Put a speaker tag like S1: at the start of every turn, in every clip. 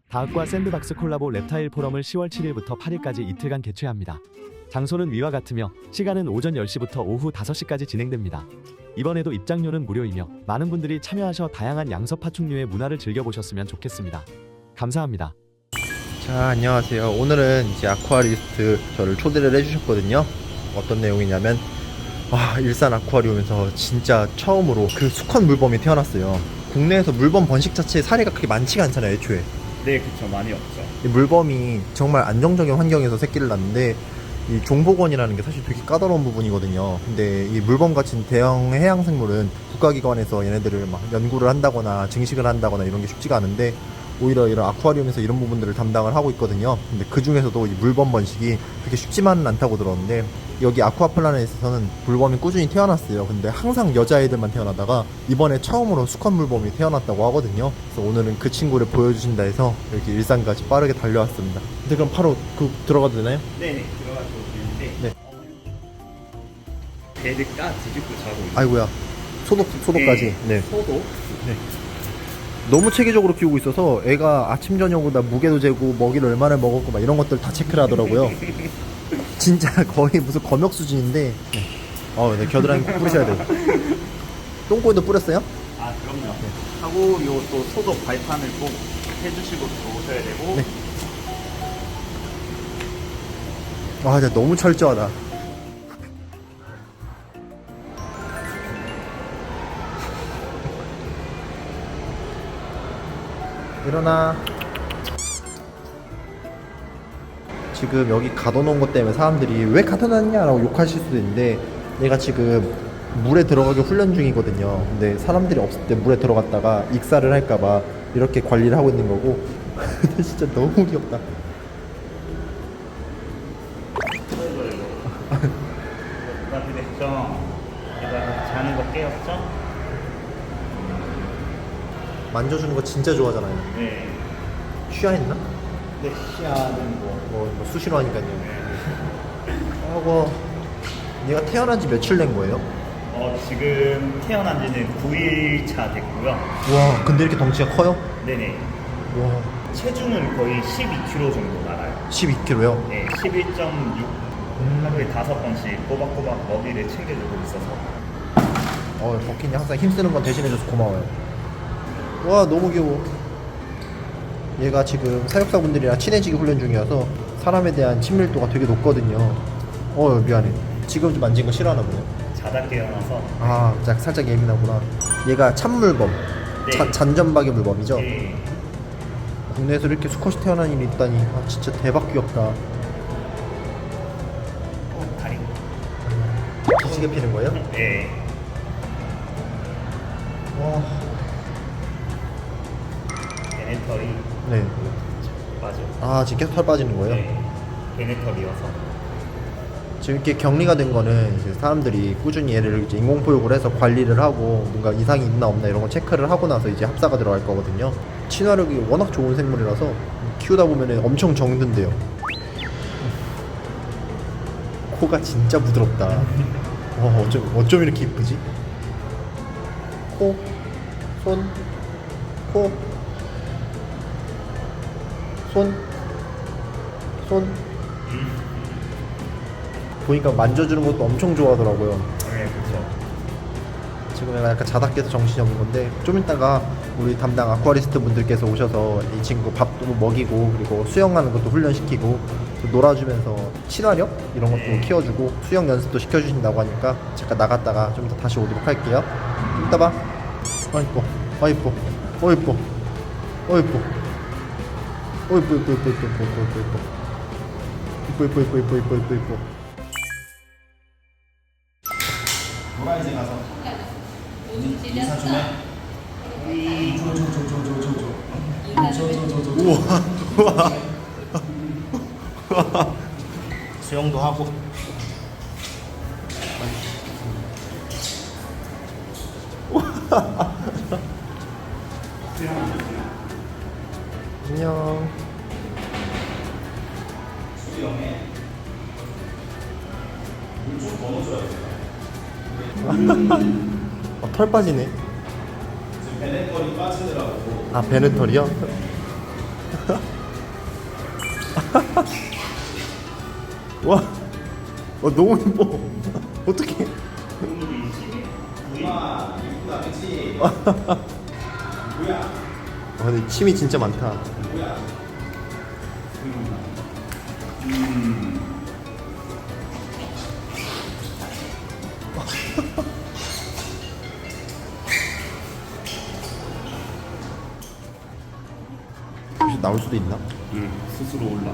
S1: 다학과 샌드박스 콜라보 reptile 포럼을 10월 7일부터 8일까지 이틀간 개최합니다. 장소는 위와 같으며 시간은 오전 10시부터 오후 5시까지 진행됩니다. 이번에도 입장료는 무료이며 많은 분들이 참여하셔 다양한 양서 파충류의 문화를 즐겨보셨으면 좋겠습니다. 감사합니다.
S2: 자, 안녕하세요. 오늘은 이제 아쿠아리스트 저를 초대를 해주셨거든요. 어떤 내용이냐면 일산 아쿠아리움에서 진짜 처음으로 그 수컷 물범이 태어났어요. 국내에서 물범 번식 자체의 사례가 그렇게 많지가 않잖아요, 애초에.
S3: 네, 그쵸. 많이 없죠.
S2: 이 물범이 정말 안정적인 환경에서 새끼를 낳는데 이 종복원이라는 게 사실 되게 까다로운 부분이거든요. 근데 이 물범 같은 대형 해양 생물은 국가기관에서 얘네들을 막 연구를 한다거나 증식을 한다거나 이런 게 쉽지가 않은데 오히려 이런 아쿠아리움에서 이런 부분들을 담당을 하고 있거든요. 근데 그 중에서도 이 물범 번식이 그렇게 쉽지만은 않다고 들었는데 여기 아쿠아플라넷에서는 물범이 꾸준히 태어났어요. 근데 항상 여자애들만 태어나다가 이번에 처음으로 수컷 물범이 태어났다고 하거든요. 그래서 오늘은 그 친구를 보여주신다 해서 여기 일산까지 빠르게 달려왔습니다. 근데 그럼 바로 들어가도 되나요?
S3: 네네, 들어가서 보시는데.
S2: 네.
S3: 배를 뒤집고 자고 있어요.
S2: 아이고야. 소독까지. 네.
S3: 소독?
S2: 네. 너무 체계적으로 키우고 있어서 애가 아침 저녁으로 다 무게도 재고 먹이를 얼마나 먹었고 막 이런 것들 다 체크를 하더라고요. 진짜 거의 무슨 검역 수준인데. 네, 겨드랑이 꼭 뿌리셔야 돼요. 똥꼬에도 뿌렸어요?
S3: 아, 그럼요. 하고 요 또 소독 발판을 꼭 해주시고 들어오셔야 되고.
S2: 네. 진짜 너무 철저하다. 일어나. 지금 여기 가둬놓은 것 때문에 사람들이 왜 가둬놨냐라고 욕하실 수도 있는데 얘가 지금 물에 들어가기 훈련 중이거든요. 근데 사람들이 없을 때 물에 들어갔다가 익사를 할까봐 이렇게 관리를 하고 있는 거고. 근데 진짜 너무 귀엽다.
S3: 누구한테 됐죠? 얘가 자는 거 깨웠죠?
S2: 만져주는 거 진짜 좋아하잖아요.
S3: 네.
S2: 취하했나?
S3: 네, 시야는
S2: 뭐 수시로 하니까요. 하고 얘가 태어난 지 며칠 된 거예요?
S3: 지금 태어난 지는 9일 차 됐고요.
S2: 와, 근데 이렇게 덩치가 커요?
S3: 네네.
S2: 와,
S3: 체중은 거의 12kg 정도 나가요.
S2: 12kg요?
S3: 네, 11.6. 하루에 5번씩 꼬박꼬박 먹이를 챙겨주고 있어서.
S2: 버킨이 항상 힘쓰는 건 대신해줘서 고마워요. 와, 너무 귀여워. 얘가 지금 사육사분들이랑 친해지기 훈련 중이어서 사람에 대한 친밀도가 되게 높거든요. 미안해. 지금 좀 만진 거 싫어하나 보네요.
S3: 자다 깨어나서.
S2: 살짝 예민하구나. 얘가 참물범.
S3: 네.
S2: 잔점박의 물범이죠?
S3: 네.
S2: 국내에서 이렇게 수컷이 태어난 일이 있다니. 진짜 대박 귀엽다.
S3: 다리.
S2: 기지개 피는 거예요?
S3: 네.
S2: 와.
S3: 베네털이.
S2: 네.
S3: 맞아요.
S2: 지금 계속 털 빠지는 거예요?
S3: 네. 베네털이어서.
S2: 지금 이렇게 격리가 된 거는 이제 사람들이 꾸준히 얘를 이제 인공포육을 해서 관리를 하고 뭔가 이상이 있나 없나 이런 거 체크를 하고 나서 이제 합사가 들어갈 거거든요. 친화력이 워낙 좋은 생물이라서 키우다 보면 엄청 정든대요. 코가 진짜 부드럽다. 어쩜 이렇게 이쁘지? 코, 손, 코, 손. 보니까 만져주는 것도 엄청 좋아하더라고요.
S3: 네, 그렇죠.
S2: 지금 약간 자다 깨서 정신이 없는 건데 좀 이따가 우리 담당 아쿠아리스트 분들께서 오셔서 이 친구 밥도 먹이고 그리고 수영하는 것도 훈련시키고 또 놀아주면서 친화력 이런 것도
S3: 네.
S2: 키워주고 수영 연습도 시켜주신다고 하니까 잠깐 나갔다가 좀 이따 다시 오도록 할게요. 좀 이따 봐. 이뻐. 이뻐. 이뻐. 이뻐. 이뻐.
S3: 노란색 가서 인사 좀 해.
S2: 우와.
S3: 수영도 하고.
S2: 안녕.
S3: 수영에 물좀 넣어줘야 돼.
S2: 털 빠지네.
S3: 베네털이 빠지더라고.
S2: 베네털이요? 와, 너무 예뻐. 어떡해. 근데 침이 진짜 많다. 혹시 나올 수도 있나?
S3: 스스로 올라와.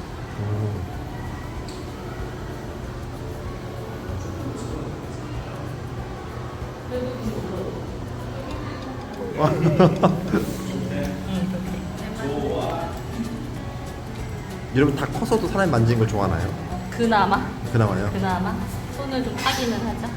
S2: 여러분 다 커서도 사람이 만지는 걸 좋아하나요?
S4: 그나마
S2: 그나마요?
S4: 손을 좀 타기는 하죠.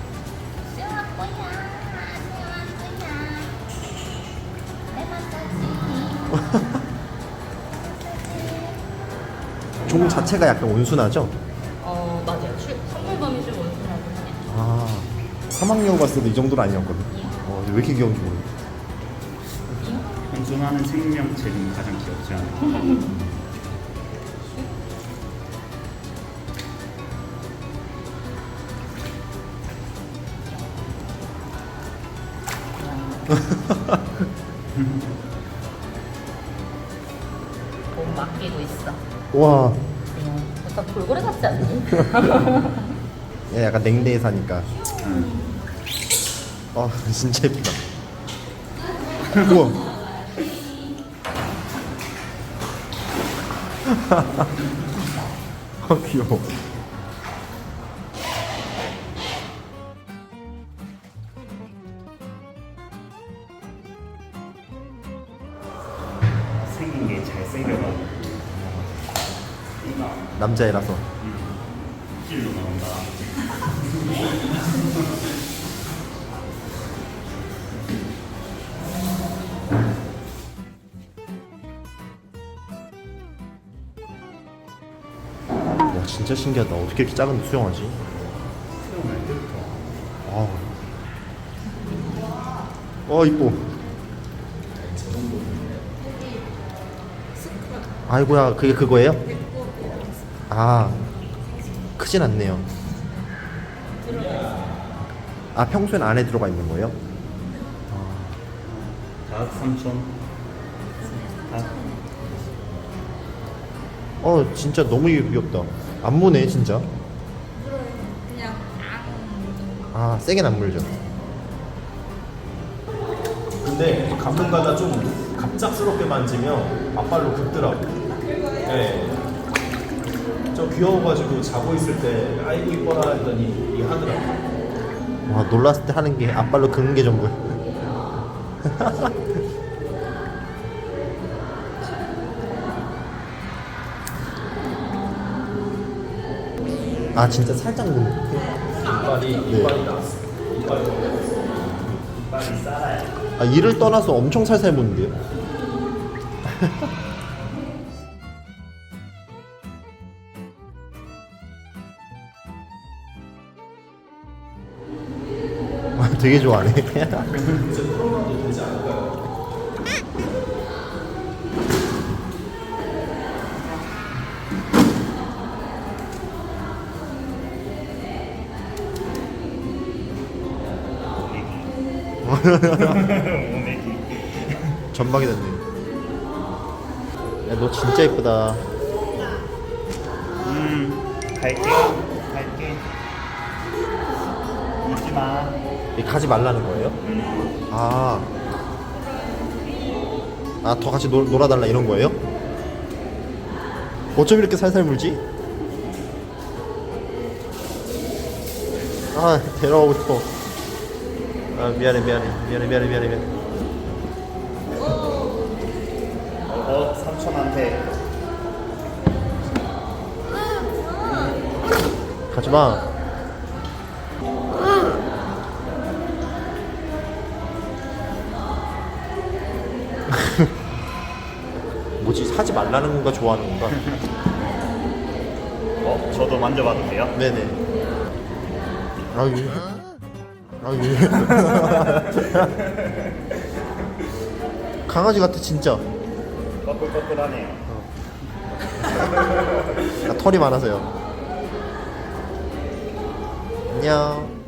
S2: 종 자체가 약간 온순하죠?
S4: 맞아요. 선물범이 좀 온순하긴 해요.
S2: 아, 사막여우 봤을 때도 이 정도는 아니었거든. 왜 이렇게 귀여운지 모르겠어.
S3: 현존하는 생명체 중 가장 귀엽지 않아?
S4: 몸 맡기고 있어.
S2: 와,
S4: 약간 돌고래 같지 않니?
S2: 얘 약간 냉대에 사니까. 진짜 예쁘다. 우와. 귀여워.
S3: 생긴 게 잘생겨가지고
S2: 남자애라서.
S3: 길로 나온다.
S2: 와, 진짜 신기하다. 어떻게 이렇게 작은데 수영하지?
S3: 태어날 때부터.
S2: 이뻐. 아이고야, 그게 그거예요? 크진 않네요. 평소엔 안에 들어가 있는 거예요?
S3: 닭 3천.
S2: 진짜 너무 귀엽다. 안 무네, 진짜. 세게는 안 물죠.
S5: 근데 가끔가다 좀 갑작스럽게 만지면 앞발로 긁더라고. 네. 저 귀여워가지고 자고 있을 때 아이고 이뻐라 했더니 이 하더라고.
S2: 와, 놀랐을 때 하는 게 앞발로 긁는 게 전부야. 진짜 살짝 긁는.
S5: 이빨이 나왔어. 이빨이 싸라요.
S2: 이를 떠나서 엄청 살살 무는데요? 되게 좋아하네. 전방이 됐네. 야, 너 진짜 예쁘다.
S3: 갈게. 잊지 마.
S2: 가지 말라는 거예요? 더 같이 놀아달라 이런 거예요? 어쩜 이렇게 살살 물지? 데려가고 싶어. 미안해.
S3: 삼촌한테
S2: 가지마. 뭐지, 사지 말라는 건가 좋아하는 건가?
S3: 저도 만져봐도 돼요?
S2: 네네. 강아지 같아 진짜.
S3: 꺼끌꺼끌하네요.
S2: 털이 많아서요. 안녕.